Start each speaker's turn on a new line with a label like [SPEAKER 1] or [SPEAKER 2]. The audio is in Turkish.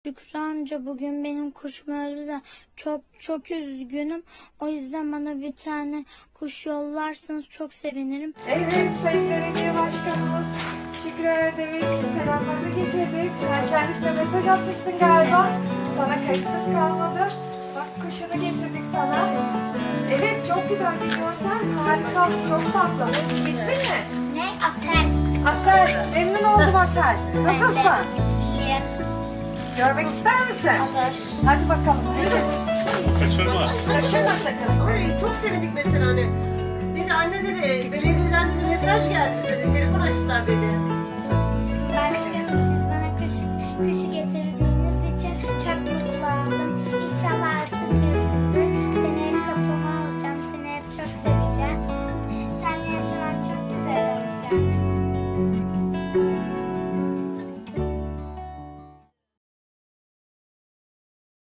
[SPEAKER 1] Şükrü amca bugün benim kuşum öldü de çok üzgünüm. O yüzden bana bir tane kuş yollarsanız çok sevinirim.
[SPEAKER 2] Evet, Sayın Belediye Başkanımız Şükrü Erdem'in selamlarını getirdik. Sen kendisine mesaj atmışsın galiba. Sana kayıtsız kalmadı. Bak kuşunu getirdik sana. Evet, çok güzel bir görsel. Harika, çok tatlı. İsmin ne?
[SPEAKER 1] Ne? Asel.
[SPEAKER 2] Asel. Memnun oldum Asel. Nasılsın?
[SPEAKER 1] İyiyim.
[SPEAKER 2] Görmek ister misin?
[SPEAKER 1] Olur.
[SPEAKER 2] Hadi bakalım. Yürü.
[SPEAKER 3] Kaçırma.
[SPEAKER 4] Kaçırma sakın. Ay, çok sevindik mesela hani. Dedi anne dedi, belediyeden dedi mesaj geldi bize dedi, telefon açtılar dedi.
[SPEAKER 1] Başkanım siz bana kışı